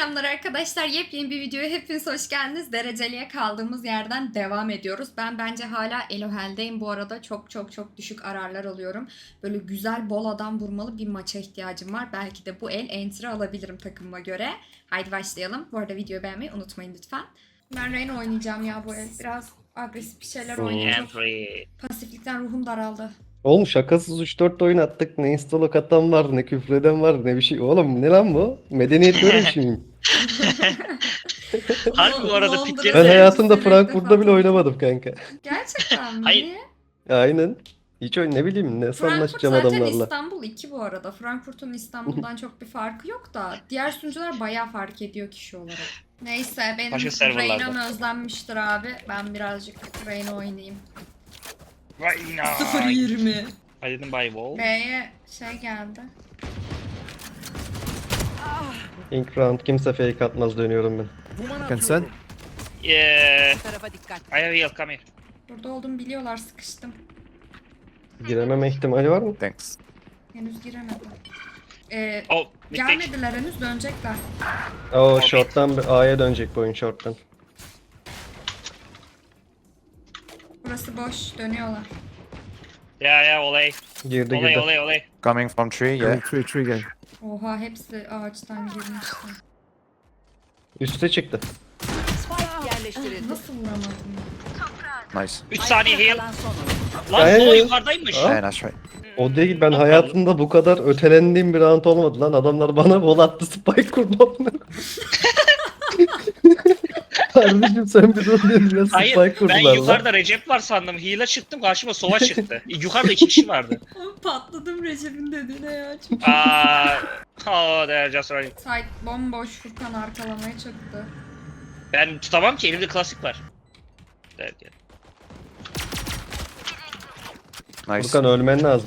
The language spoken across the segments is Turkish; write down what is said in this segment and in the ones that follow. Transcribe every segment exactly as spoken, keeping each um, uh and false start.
Selamlar arkadaşlar. Yepyeni bir videoya hepiniz hoş geldiniz. Dereceliye kaldığımız yerden devam ediyoruz. Ben bence hala Elohel'deyim. Bu arada çok çok çok düşük ararlar alıyorum. Böyle güzel bol adam vurmalı bir maça ihtiyacım var. Belki de bu el entry alabilirim takımıma göre. Haydi başlayalım. Bu arada videoyu beğenmeyi unutmayın lütfen. Ben Reyna oynayacağım ya bu el. Biraz agresif bir şeyler oynayacağım. Pasiflikten ruhum daraldı. Oğlum şakasız üç dört oyun attık. Ne instalok atan var, ne küfreden var, ne bir şey. Oğlum ne lan bu? Medeniyet böyle bir şey miyim? Harbi bu arada Londra pikleri Ben de- hayatımda seyircisi Frankfurt'ta ilk bile defa. oynamadım kanka. Gerçekten mi? Hayır. Niye? Aynen. Hiç oyun ne bileyim ne Frankfurt sanlaşacağım zaten adamlarla. İstanbul iki bu arada. Frankfurt'un İstanbul'dan çok bir farkı yok da diğer sunucular bayağı fark ediyor kişi olarak. Neyse benim Başka serverlarda. Reyna'm özlenmiştir abi. Ben birazcık Reyna oynayayım. Reyna. sıfır yirmi. I didn't buy wall. B'ye şey geldi. İlk round kimse fake atmaz dönüyorum ben. Can sen? Yeah. Tarafa dikkat. I have heal, come here. Burada olduğumu biliyorlar, sıkıştım. Girememe ihtimali var mı? Thanks. Henüz giremedim. Ee, Oh, mid pick. gelmediler henüz, dönecekler. Oo short'tan bir A'ya dönecek bu oyun short'tan. Burası boş, dönüyorlar. Yeah, yeah, olay. Girdi Olay, girdi. olay, olay. Coming from tree, yeah. Yeah, three, three guy. Oha, hepsi ağaçtan girmişti. Üste çıktı. Spike yerleştirildi. Nasıl vuramadım ya? Nice. üç saniye heal. Kalan son oyun. Lan Ay. sola yukarıdaymış. Aa. Yeah, nice right. O değil, ben hayatımda bu kadar ötelendiğim bir round olmadı lan. Adamlar bana bol attı, spike kurdu. Kardeşim sen bir dur dedin ya, Hayır, spike kurdular ben lan. yukarıda Recep var sandım. Heal'a çıktım, karşıma sova çıktı. Yukarıda iki kişi vardı. Patladım Recep'in dediğine ya. Çok... Aa, oh, they're just running. Site bomboş, Furkan arkalamaya çıktı. Ben tutamam ki, elimde klasik var. Derken. Nice. Furkan ölmen lazım.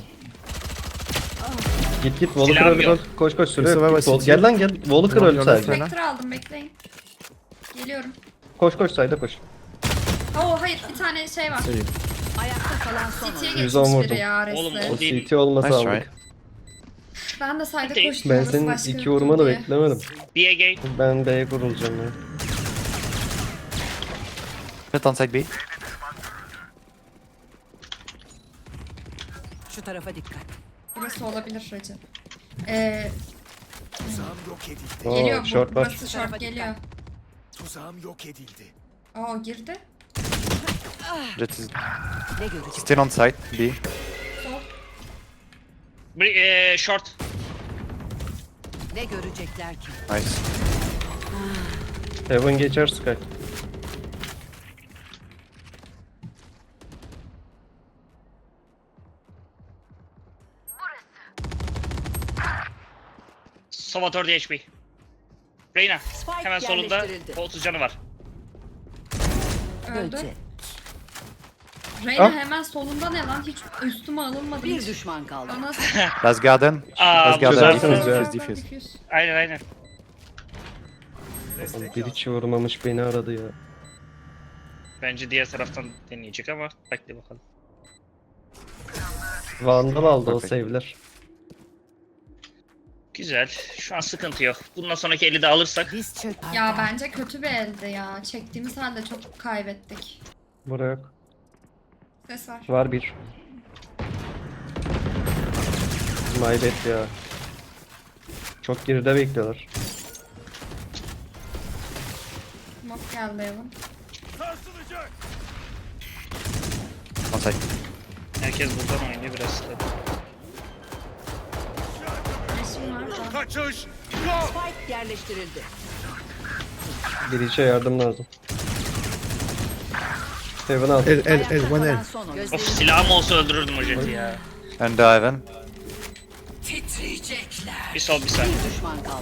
Git git, Volker Silahım öl yok. öl. Koş koş süre Yusuf yok. Baba, Git, Vol- City. Gel lan gel. Volker öl Yok, sadece. yok, Spectre aldım, bekleyin. Geliyorum. Koş koş sayda koş. Oo hayır, bir tane şey var. Sayı. Ayakta kalan son City'ye oyun. yüz on geçmiş vurdum. biri ya Oğlum, Ares'e. O Değil. C T olmasa Nice aldık. try. Ben de sayda Değil. koştum. Ben orası senin başka iki yoktu vurmanı diye. beklemedim. Be again. Ben B'ye kurulacağım ya. Put on side B. Şu tarafa dikkat. Burası olabilir Recep. Ee, Oo, geliyor bu. short var. Burası short geliyor. Tuzağım yok edildi. Oo girdi. Jet is Ne görecek? still on side B. Sol. Bir, eee, short. Ne görecekler ki? Nice. Heaven geçer Sky. Sova dört H P. Reyna. Spike Hemen solunda yerleştirildi. otuz canı var. Öldü. Ölecek. Reyna Ah. hemen solunda ne lan? Hiç üstüme alınmadı. Bir hiç. düşman kaldı. Bana Last garden. Aa, Last bu garden. güzel. Çözersiniz ya. Diffuse, diffuse. Diffuse. Aynen aynen. Oğlum, bir hiç vurmamış beni aradı ya. Bence diğer taraftan deneyecek ama bekle bakalım. Vandal aldı o Perfect. save'ler. Güzel. Şu an sıkıntı yok. Bundan sonraki eli de alırsak. Biz çök. Ya bence kötü bir elde ya. Çektiğimiz halde çok kaybettik. Buraya yok. Ses var. Var bir. Maybet ya. Çok geride bekliyorlar. Smoke geldi Evan. On side. Herkes buradan oynuyor biraz sıkıntı. Resim var da. Kaçış! Spike yerleştirildi. Bir içe yardım lazım. Heaven al. El, el, Ayakta el, one kalan el. son oyun. Of, silahım olsa öldürürdüm o jeti ya. And Ivan. Titriyecekler. Bir sol bir sağ. Bir düşman kaldı.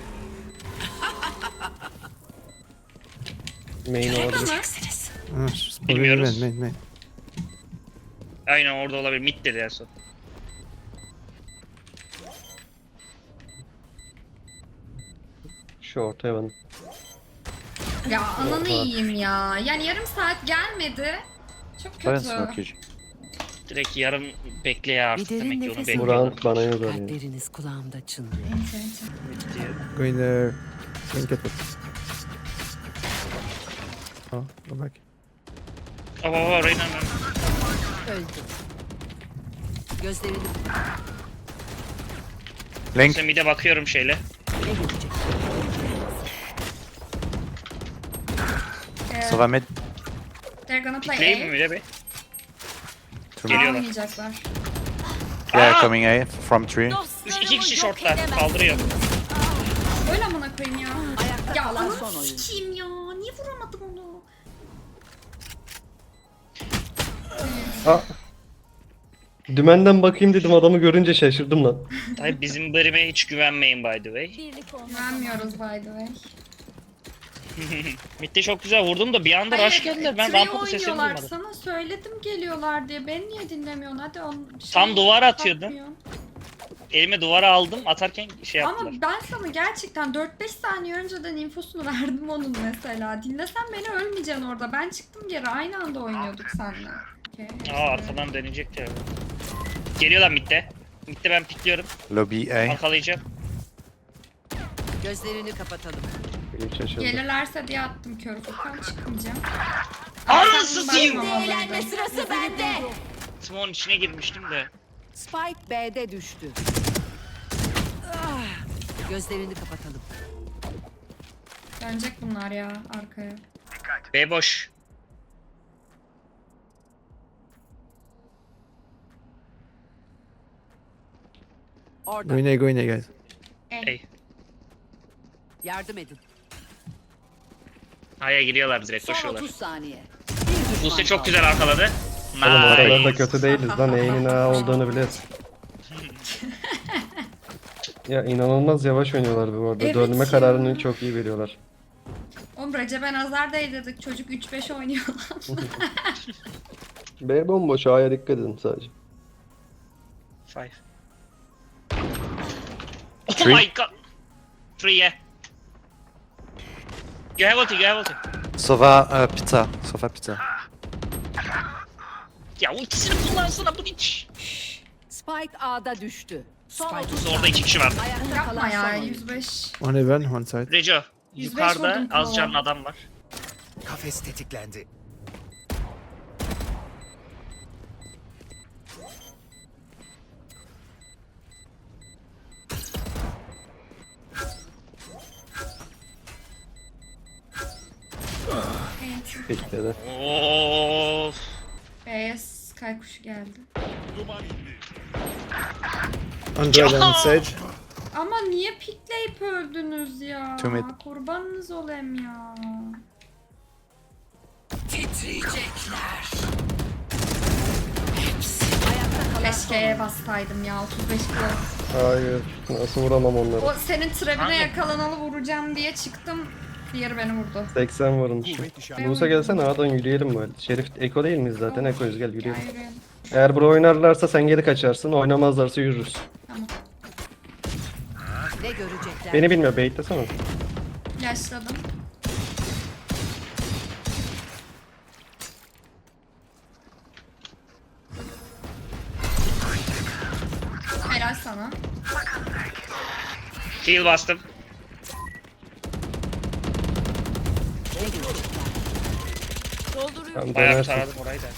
Main olabilir. Ama Ah, Bilmiyoruz. main, main, main. Aynen orada olabilir. Mid dedi en son. Short Heaven. ya ananı yiyeyim ya. Yani yarım saat gelmedi. Çok Ivan kötü. smoke you. Direkt yarım bekle ya artık Bir derin demek ki onu nefes Bu bekliyorum. round bana yazar ya. Kalpleriniz kulağımda çınlıyor. Enter, enter. Going there. Don't get it. Oh, go back. Oh, oh, oh Reyna. Öldü. Gözlerini Link. Şimdi mid'e bakıyorum şeyle. ne görecek? Ee, Sova mid. they're gonna play Play mi A. mid'e be? A Geliyorlar. oynayacaklar. Yeah, Aa! coming A from tree. Üç, iki kişi shortlar. Kaldırıyor. Öyle amına koyayım ya. Ayakta Ya kalan ananı son oyuncu. sikeyim ya. Niye vuramadım onu? Aa. Dümenden bakayım dedim, adamı görünce şaşırdım lan. Tabii bizim bölüme hiç güvenmeyin by the way. Güvenmiyoruz by the way. Mid'de çok güzel vurdum da bir anda rush geldiler. Ben Trey rampada sesini oynuyorlar. duymadım. Sana söyledim geliyorlar diye. Beni niye dinlemiyorsun? Hadi on, şey, Tam duvara atıyordun. bakmıyorsun. Elime duvara aldım. Atarken şey yaptılar. Ama ben sana gerçekten dört beş saniye önceden infosunu verdim onun mesela. Dinlesen beni ölmeyeceksin orada. Ben çıktım geri. Aynı anda oynuyorduk seninle. Okay, Aa arkadan dönecek ya. Geliyorlar mid'de. Mid'de ben pikliyorum. Lobby A. Arkalayacağım. Gözlerini kapatalım. Benim şaşırdım. Gelirlerse diye attım körü. Furkan çıkmayacağım. Anasını Ben satayım. bakmamalıydım. sırası bende. Smoke'un içine girmiştim de. Spike B'de düştü. Ah, gözlerini kapatalım. Dönecek bunlar ya arkaya. B boş. Orada. Go in A, go in A, guys. Hey. Yardım edin. Aya giriyorlar direkt Son koşuyorlar. otuz saniye. Bir düşman Buse çok kaldı. güzel arkaladı. Oğlum o kadar da Nice. kötü değiliz lan. E'nin A olduğunu biliyoruz. Ya inanılmaz yavaş oynuyorlar bu arada. Evet Dönme ya. kararını çok iyi veriyorlar. Oğlum Recep'e nazar değdirdik. Çocuk üç beş oynuyor lan. B bomboş, A'ya dikkat edin sadece. Five. Oh Three. my god. Three yeah. You have ulti, you have ulti. Sova uh, pizza. Sova pizza. Ya ultisini kullansana bu hiç. Spike A'da düştü. Son otuz Orada iki kişi var. Ayakta Yapma kalan son ya oyuncu. yüz beş. One heaven, one side. Reco. yüz beş Yukarıda vurdum az kulağa. canlı adam var. Kafes tetiklendi. Evet. Bekledi. Of. B'ye Sky kuşu geldi. Android and Sage. Ama niye pikleyip öldünüz ya? Two mid. Kurbanınız olayım ya. Keşke bassaydım ya otuz beş kilo. Hayır. Nasıl vuramam onları? O senin trebine Hangi? yakalanalı vuracağım diye çıktım. Diğeri beni vurdu. seksen vurmuş. Musa gelsene A'dan yürüyelim böyle. Şerif Eko değil miyiz zaten? Eko'yuz, gel Ya yürüyelim. yürüyelim. Eğer bura oynarlarsa sen geri kaçarsın. Oynamazlarsa yürürüz. Tamam. Ne görecekler? Beni bilmiyor. Baitlesene. Yaşladım. Helal sana. Heal bastım. Ne görecekler? Tamam, Bayağı dönersin. taradım orayı da.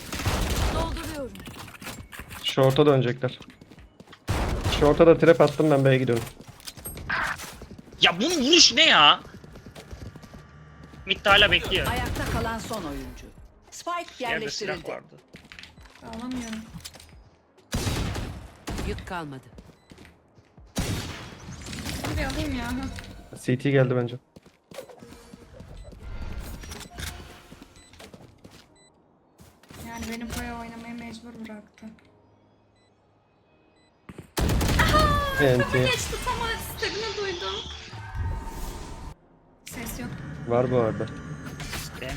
Short'a dönecekler. Short'a da trap attım, ben B'ye gidiyorum. Ya bunun vuruş ne ya? Mid hala bekliyor. Ayakta kalan son oyuncu. Spike Yerde silah yerleştirildi. vardı. Alamıyorum. Yük kalmadı. Şunu bir alayım ya. Hı. C T geldi bence. Yani beni buraya oynamaya mecbur bıraktı. Enti. Geçti tam istediğini duydum. Ses yok. Var bu arada. Ben...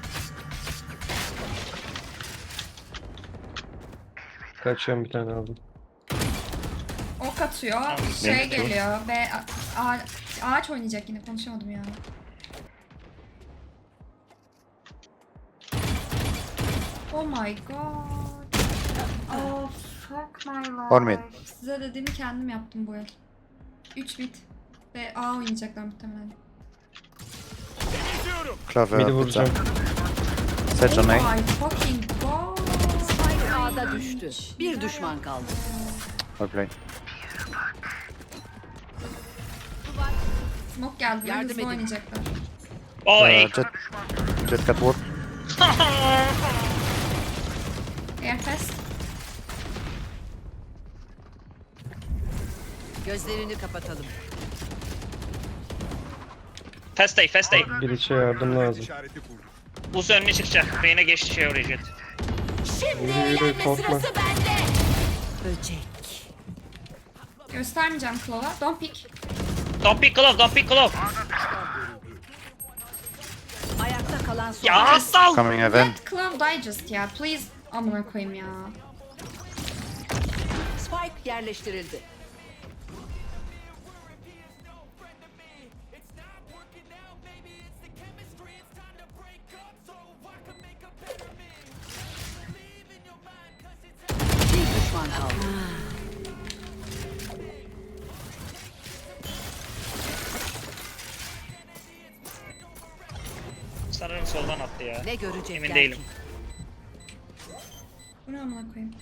Kaçıyorum, bir tane aldım. Ok atıyor. Şey geliyor. Ve a- a- ağaç oynayacak yine, konuşamadım ya. Oh my god. Oh fuck my life. One mid. Size dediğimi kendim yaptım bu el. üç bit. Ve A oynayacaklar muhtemelen. Clover, Midi pizza. vuracağım. Sage on Oh A. my fucking god. Spike A'da düştü. Bir düşman kaldı. Well played. Smoke geldi. Yardım Hızlı edin. oynayacaklar. O Uh, A. Jet. Jet got warp. Air fast. Gözlerini kapatalım. Fast A, fast A. Bir içe yardım lazım. Buz önüne çıkacak. Reyna geçti şey oraya Jet. Yürü yürü korkma. Böcek. Göstermeyeceğim Claw'a. Don't pick. Don't pick glove, don't pick glove. Ayakta kalan son. Ya asal. Coming heaven. Let Claw die just ya. Please. Amına koyayım ya. Spike yerleştirildi. Bir düşman kaldı. Sanırım soldan attı ya. Ne görecekler Emin değilim. ki? Bu ne amına koyayım?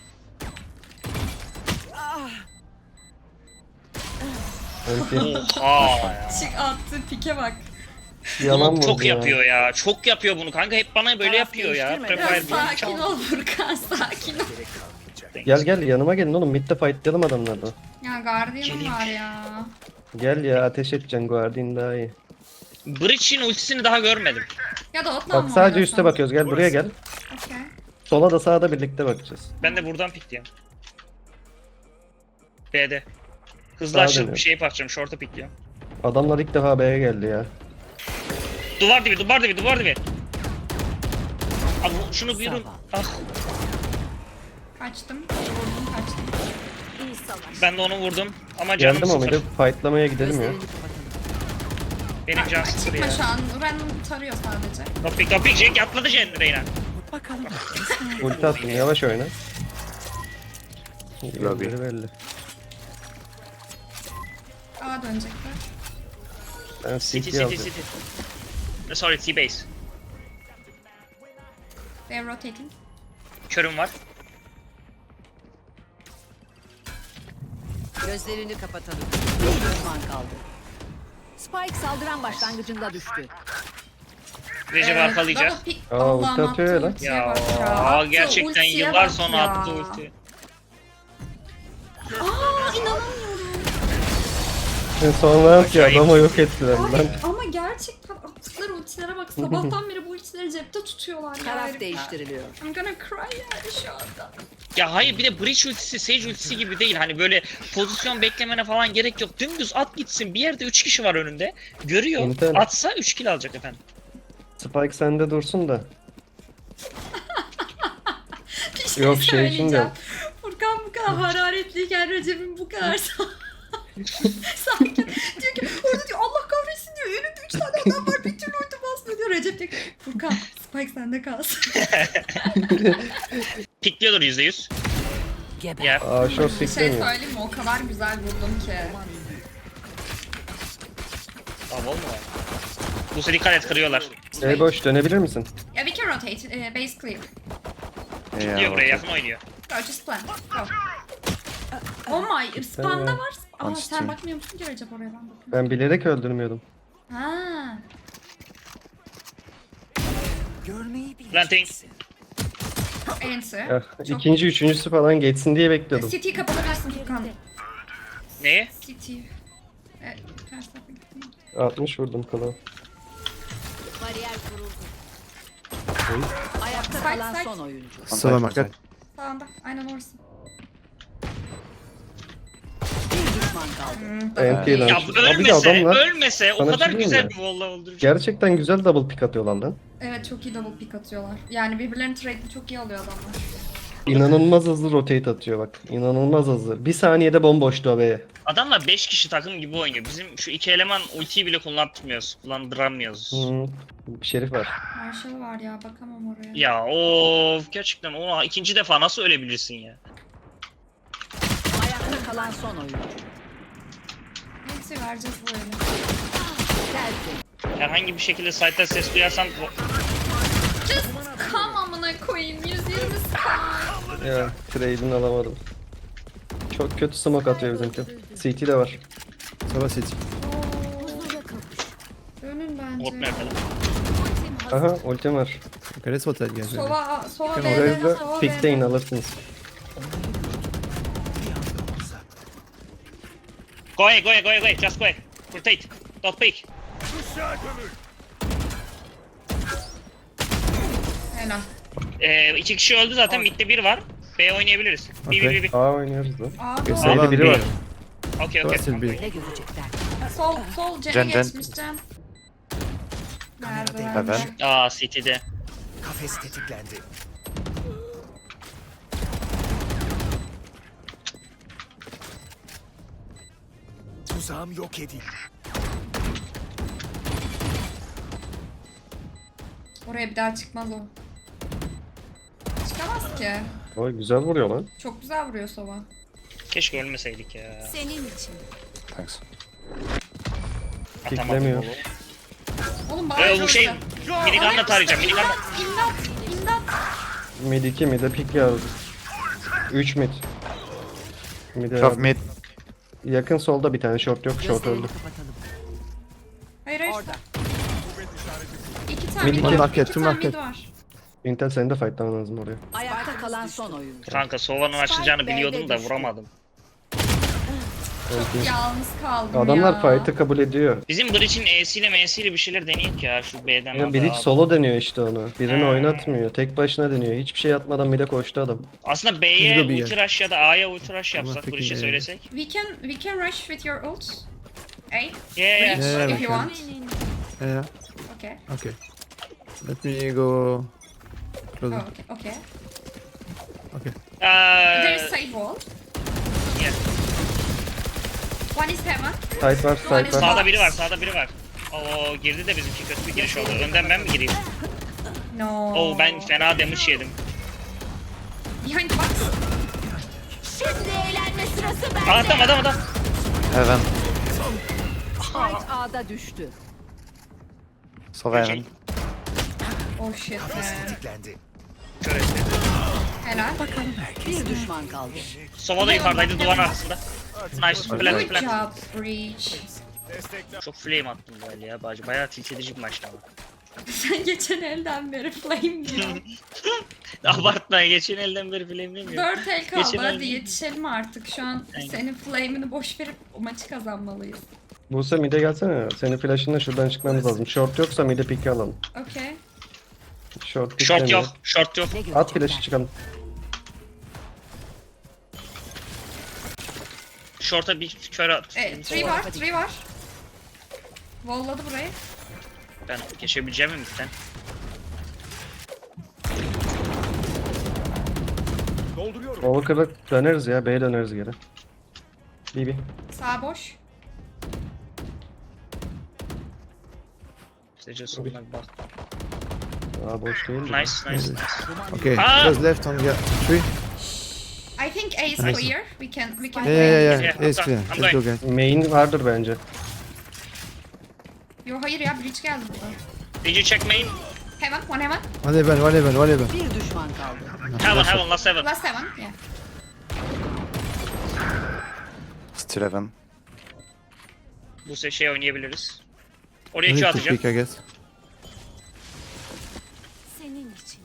Öyle Oha ya. Çık attı pike bak. yalan Bunu çok vurdu ya. yapıyor ya. Çok yapıyor bunu kanka. Hep bana böyle Taraf yapıyor ya. değiştirme. Biraz Prefire bunu sakin çal. ol Furkan, sakin ol. Gel gel yanıma gelin oğlum. Mid'de fightlayalım adamlarla. Ya Guardian'ım Geleyim. var ya. Gel ya ateş edeceksin Guardian daha iyi. Breach'in ultisini daha görmedim. Ya da Otman Bak sadece üste bakıyoruz. Gel buraya gel. Okey. Sola da sağa da birlikte bakacağız. Ben de buradan pikleyeyim. B'de. Hızlı Sağa açıp dönüyorum. bir şey yapacağım. Short'a pikliyorum. Adamlar ilk defa B'ye geldi ya. Duvar dibi, duvar dibi, duvar dibi. Abi şunu bir yürün. Ah, Kaçtım. Vurdum kaçtım. ben de onu vurdum. Ama canım Geldim ama sıfır. bir de fightlamaya gidelim ya. Gözlerini kapatalım. Benim can Aa, sıfır çıkma ya. şu an. Random tarıyor sadece. Topik topik Cenk atladı Cenk Reyna. Bakalım. Ulti attım yavaş oyna. Lobby. Yerleri belli. A dönecekler. Ben City C T city alacağım. city. Eh, Sorry T-base. They're rotating. Körüm var. Gözlerini kapatalım. Bir düşman kaldı. Spike saldıran başlangıcında düştü. Recep Evet, arkalayacak. double pick. Aa, Allah'ım ulti atıyor attı ya lan. ultiye Ya, bak ya. aa, Attı gerçekten ultiye yıllar bak sonra ya. attı ulti. Aa inanamıyorum. Sonra ki Acayip. adamı yok ettiler Ay, lan. ama gerçekten attıkları ultilere bak. Sabahtan beri bu ultileri cepte tutuyorlar ya. Taraf herifler. değiştiriliyor. I'm gonna cry yani şu anda. Ya hayır bir de Breach ultisi, Sage ultisi gibi değil. Hani böyle pozisyon beklemene falan gerek yok. Dümdüz at gitsin. Bir yerde üç kişi var önünde. Görüyor. İnternet. Atsa üç kill alacak efendim. Spike sende dursun da. Bir şey Yok, şey için söyleyeceğim. de. Furkan bu kadar hararetliyken Recep'in bu kadar sa- sakin. Diyor ki orada diyor Allah kahretsin diyor. Önünde üç tane adam var bir türlü ulti basmıyor diyor. Recep diyor ki Furkan Spike sende kalsın. Pikliyordur yüzde yüz. Geber. Ya Aa short Bir şey piklemiyor. söyleyeyim mi? O kadar güzel vurdum ki. tamam olma ya. Bu sefer dikkat et kırıyorlar. E boş dönebilir misin? Yeah, we can rotate. Uh, base clear. Pikliyor Yeah. buraya yakın oynuyor. Go, just plan. Go. Oh my, spawn'da var. Aa On sen stream. bakmıyor musun ki Recep oraya ben bakıyorum. Ben bilerek öldürmüyordum. Ha. Planting. Enter. Ya, ikinci, üçüncüsü falan geçsin diye bekliyordum. City'yi kapatabilirsin Furkan. Neyi? City. Evet, ters tarafa gittim. altmış vurdum kala. Bariyer kuruldu. Oy. Ayakta Spike, kalan spike. son oyuncu. One Still side, on one market. side. Sağında. Aynen orası. Bir düşman kaldı. Hmm, N T lan. Ya Abi de ölmese, adamlar ölmese o Sana kadar bir şey güzel diyeyim bir wall'la öldürür. gerçekten güzel double pick atıyorlar lan. Evet çok iyi double pick atıyorlar. Yani birbirlerini trade'li çok iyi alıyor adamlar. İnanılmaz hızlı rotate atıyor bak. İnanılmaz hızlı. Bir saniyede bomboştu B'ye. Adamlar beş kişi takım gibi oynuyor. Bizim şu iki eleman ultiyi bile kullandırmıyoruz. Kullandıramıyoruz. Hı. Şerif var. Marshall var ya bakamam oraya. Ya of gerçekten o ikinci defa nasıl ölebilirsin ya? Ayakta kalan son oyuncu. Evet, ulti vereceğiz böyle. Tersi. Herhangi bir şekilde site'da ses duyarsam Just come amına koyayım. yüz yirmi sky. Ya trade'ini alamadım. Çok kötü smoke atıyor bizimki. C T de var. Sova City. Dönün bot bence. nerede lan? Aha ultim var. Okay, let's rotate guys. maybe. Sova, Sova Can B'de, Orayı da Sova B'de. pickleyin alırsınız. Go away, go away, go away, just go away. Rotate. Don't peek. Helal. Ee, iki kişi öldü zaten. Mid'de bir var. B oynayabiliriz. Bir bir bir bir. A oynuyoruz lan. Abi Okay, o- Sova biri B. var. Okey Sova okey. still B. Ne görecekler? sol, sol Cen'e Cen, Cen. geçmiş Cen. Nerede Hemen. bence? Aa City'de. Kafes tetiklendi. Tuzağım yok edildi. Oraya bir daha çıkmaz o. Çıkamaz ki. Oy güzel vuruyor lan. Çok güzel vuruyor Sova. Keşke ölmeseydik ya. Senin için. Thanks. Atamadım Piklemiyor. oğlum. Oğlum Ee, bana bu şey minigunla tarayacağım. Minigunla. İmdat, imdat. Mid iki mid'e pick yazdı. üç mid. Mid'e Tough mid. yakın solda bir tane short yok. Short Gözlerini öldü. kapatalım. Hayır hayır. Orada. İki tane Mid mid iki. var. Market, İki two tane market. mid var. Intel senin de fightlaman lazım oraya. Ayakta kalan son oyun. Kanka Sova'nın açılacağını Spike biliyordum B'de da düştü. vuramadım. Öldü. Yalnız kaldım Adamlar ya. fight'ı kabul ediyor. Bizim Breach'in E'siyle M'siyle bir şeyler deneyek ya şu B'den. Ya abi Breach abi. solo deniyor işte onu. Birini Hmm. oynatmıyor. Tek başına deniyor. Hiçbir şey atmadan mid'e koştu adam. Aslında B'ye Biz de bir ulti rush ya da A'ya ulti rush Ama yapsak peki Breach'e ne? söylesek. We can we can rush with your ult. Hey, Yeah, yeah. reach Yeah, if we you can. want. Yeah, yeah. Okay. Okay. Let me go Oh, closer. okay. Okay. Okay. There is Ee, side wall. yeah. One is heaven. Site var, site var. Sağda biri var, sağda biri var. Oo girdi de bizimki kötü bir giriş oldu. Önden ben mi gireyim? No. Oo ben fena damage yedim. Behind box. Şimdi eğlenme sırası bende. Adam adam adam. Heaven. Spike A'da düştü. Sova Şey, heaven. Oh shit man. Tetiklendi. kör etti. Helal. Bir düşman kaldı. Sova da yukarıdaydı duvarın arkasında. Nice. Plant Good plant. job, Breach. Çok flame attım böyle ya bacı. Bayağı tilt edici bir maçtı ama. Sen geçen elden beri flame diyor. Abartma geçen elden beri flame demiyor. Dört el kaldı. Geçen Hadi el- yetişelim artık. Şu an Aynen. senin flame'ini boş verip o maçı kazanmalıyız. Buse mid'e gelsene. Senin flash'ınla şuradan çıkmamız lazım. Short yoksa mid'e pick alalım. Okay. Short pick Short demiyor. yok. Short yok. Ne At görecekler? flash'ı çıkalım. Short'a bir kör at. E, three var, three var. Valladı burayı. Ben geçebileceğim mi midden? Overclock'a döneriz ya. B'ye döneriz geri. B B. Sağ boş. Sadece soluna bir bak. Aa boş değil. Nice nice. nice. Okay, Ah! just left on the three. I think A is Nice. clear. We can we can Yeah, yeah, yeah, Yeah, yeah. It's I'm clear. going. Let's go, guys. Main vardır bence. Yo hayır ya Breach geldi burada. Did you check main? Heaven, one heaven. One heaven, one heaven, one heaven. Bir düşman kaldı. Heaven heaven last heaven. Last heaven. Yeah. Still heaven. Bu se şey oynayabiliriz. Oraya We Q need to atacağım. pick, I guess. Senin için.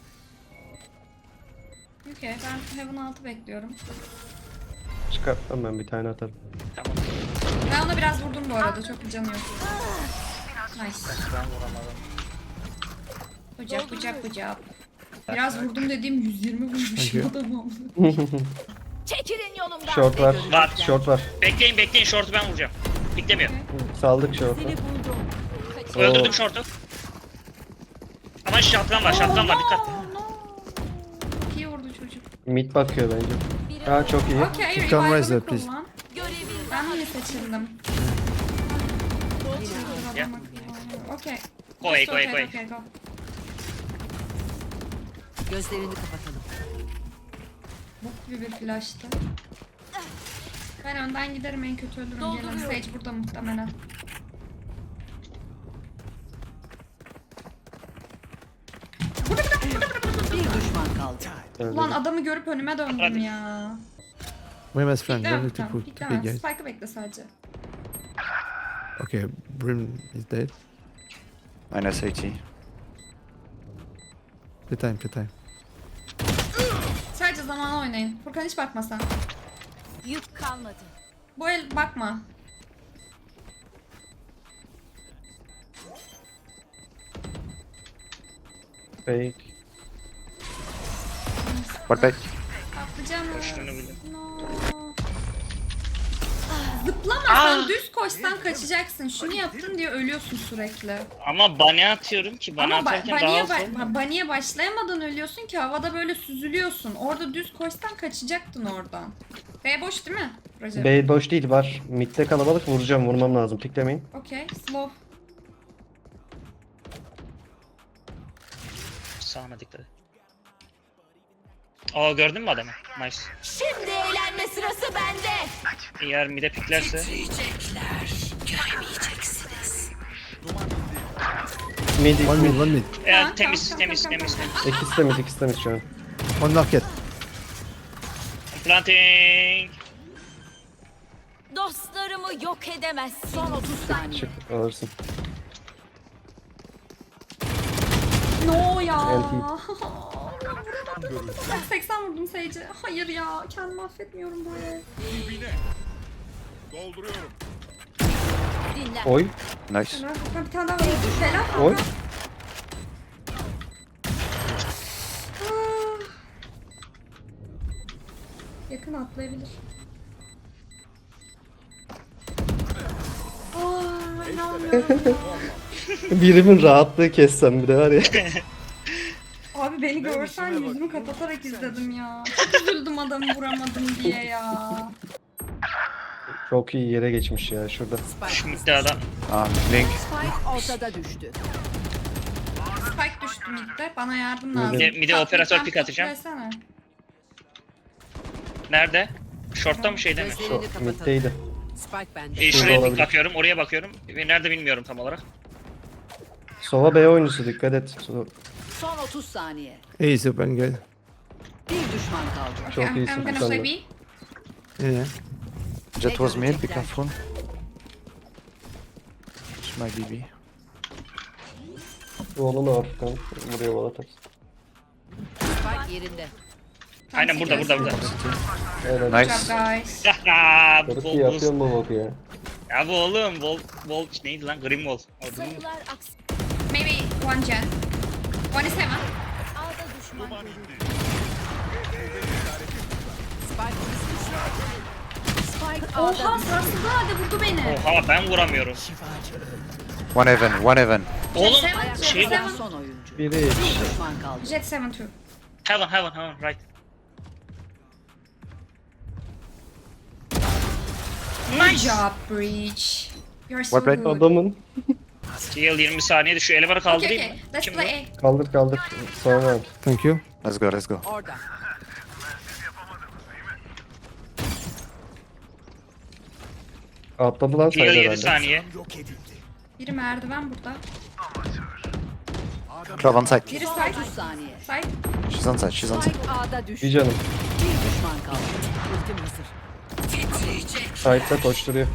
Okay, ben heaven altı bekliyorum. Çıkartmam ben bir tane atarım. Tamam. Ben ona biraz vurdum bu arada. Çok bir canı yok. Nice. Ben vuramadım. Bıcak bıcak bıcak. Biraz vurdum dediğim yüz yirmi Thank vurmuşum you. adamı. Çekilin yolumdan. Short var. Var. Short var. Bekleyin bekleyin short'u ben vuracağım. Beklemiyor. Saldık short'u. Seni buldum. Oo. Öldürdüm short'u. Ama shotgun var shotgun var dikkat. Çok iyi vurdu çocuk. Mid bakıyor bence. Aa çok iyi. Okay, You can revive'ını rise there, please. kullan. Ben mi seçildim? Yeah. Okay. Go away, Just go away, rotate, go away. okay, go. Gözlerini kapatalım. Bok gibi bir flash'tı. Ben önden giderim, en kötü ölürüm. Gelin. Dolduruyorum. Sage burada muhtemelen. Bir düşman kaldı. Öyle Ulan değil. adamı görüp önüme döndüm Hadi. ya. Wait, my friend. Don't Pikleme, need to tamam, put. Okay, pikleme. guys. Spike'ı bekle sadece. Okay, Brim is dead. Minus eighty. Play time, play time. Sadece zamana oynayın. Furkan hiç bakma sen. Yük kalmadı. Bu el bakma. Fake. What back? Atlayacağım. Şunu bildim. No. Zıplamasan, düz koşsan kaçacaksın. Şunu yaptın diye ölüyorsun sürekli. Ama bana atıyorum ki bana Ama ba- atarken daha baniye, az ba- olmuyor. ba- baniye başlayamadan ölüyorsun ki havada böyle süzülüyorsun. Orada düz koşsan kaçacaktın oradan. B boş değil mi? Recep? B boş değil var. Mid'de kalabalık, vuracağım, vurmam lazım. Piklemeyin. Okey, slow. Sağına dikkat et. Aa gördün mü adamı? Nice. Şimdi eğlenme sırası bende. Eğer mide piklerse Mid, One mid. mid, one mid. eğer Tamam, temiz tamam, temiz tamam, temiz tamam. temiz. İkisi de mid, ikisi de mid şu an. One market. Planting. Dostlarımı yok edemezsin. Son otuz saniye. Çık, alırsın. No ya. L P. Ben seksen vurdum Sage'e. Hayır ya, kendimi affetmiyorum böyle. Dolduruyorum. Dinlen. Oy, Nice. Helal Furkan, bir tane daha var. Helal oy. Furkan. Ah. Yakın atlayabilir. Aa, inanmıyorum. Birimin rahatlığı kessem bir de var ya. Abi beni görsen yüzümü kapatarak izledim ya. Çok üzüldüm adamı vuramadım diye ya. Çok iyi yere geçmiş ya şurada. Şu midde adam. Um, Link. Spike ortada düştü. Spike düştü midde. Bana yardım Mide- lazım. Mide- mide Tatlı operatör sen pick atacağım. piklesene. Nerede? Short'ta mı şeyde mi? Şu middeydi. Spike bende. E, şuraya olabilir. bakıyorum, oraya bakıyorum. Ve nerede bilmiyorum tam olarak. Sova B oyuncusu, dikkat et. So- Son otuz saniye. A is open, guys. Bir düşman kaldı. Çok I'm, iyisin I'm gonna sen play de. B. Yeah, yeah. Jet was mid, be görecekler? careful. This might be B. Oğlunu Afrikan. Buraya wall atarsın. Spike yerinde. Aynen burada, burada, burada. Helal. Good Nice. job guys. Haha, bu Çok bol iyi yapıyorsun bu boku ya. Ya bu oğlum, bol, bol neydi lan? Grim Wall. O değil mi? Sayılar aksi. Maybe one gen. One is heaven. Ağda düşman görüldü. Spike Spike Oha, ağda düştü. sarsıldı halde vurdu beni. Oha ben vuramıyorum. One heaven, one heaven. Oğlum Ayakta şey kalan bu. son oyuncu. Biri Bir düşman kaldı. Jet seven two. Heaven, heaven, heaven, right. Good job Breach. You're so What break? good. adamın. Yıl yirmi saniyede şu elevarı Okay, kaldırayım okay. mı? Let's Kim bu? play A. Kaldır kaldır. Sonra Thank you. Let's go, let's go. Orada. atladı lan Yıl saydı yedi herhalde. saniye. Biri merdiven burada. Twelve on site. Biri Son side. otuz saniye. Side. She's on site, she's on site. Spike ağda düştü. Bir canım. Bir düşman kaldı. Ultim hazır. Side'da koşturuyor.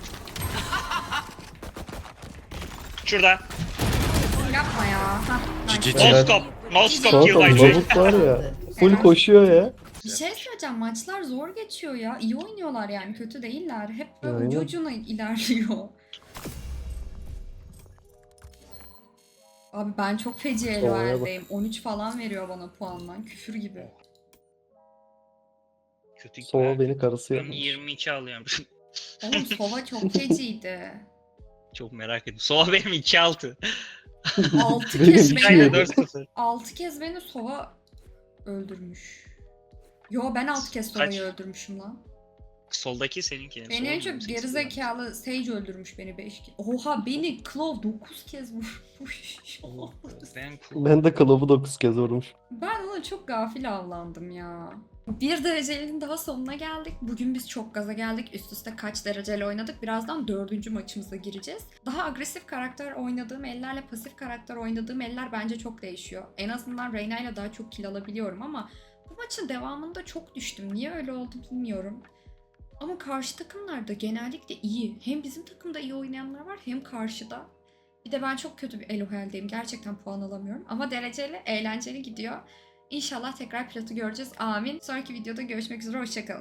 Şurada. Yapma ya. Hah, nice. G G. No scope. No scope Çok kill oldu. by G. Lavuk var ya. Full koşuyor ya. Bir şey söyleyeceğim. Maçlar zor geçiyor ya. İyi oynuyorlar yani. Kötü değiller. Hep böyle Aynen. ucu ucuna ilerliyor. Abi ben çok feci Olaya bak. Eloel'deyim. on üç falan veriyor bana puandan. Küfür gibi. Kötü. Sova beni karısı Ben yapmış. yirmi iki alıyorum. Oğlum Sova çok feciydi. Çok merak ettim. Sova benim iki altı. altı Benim kez iki beni, yedi. dört sıfır. altı kez beni Sova öldürmüş. Yo ben altı kez Sova'yı Kaç? öldürmüşüm lan. Soldaki seninki. Beni en çok gerizekalı Sage öldürmüş beni beş kez. Oha beni Claw dokuz kez vurmuş. Ben Ben de kılıbı dokuz kez vurmuş. Ben ona çok gafil avlandım ya. Bir derecenin daha sonuna geldik. Bugün biz çok gaza geldik. Üst üste kaç dereceyle oynadık. Birazdan dördüncü maçımıza gireceğiz. Daha agresif karakter oynadığım ellerle pasif karakter oynadığım eller bence çok değişiyor. En azından Reyna ile daha çok kill alabiliyorum ama bu maçın devamında çok düştüm. Niye öyle oldu bilmiyorum. Ama karşı takımlar da genellikle iyi. Hem bizim takımda iyi oynayanlar var hem karşıda. Bir de ben çok kötü bir Elohel'deyim. Gerçekten puan alamıyorum. Ama dereceli, eğlenceli gidiyor. İnşallah tekrar Plat'ı göreceğiz. Amin. Sonraki videoda görüşmek üzere. Hoşçakalın.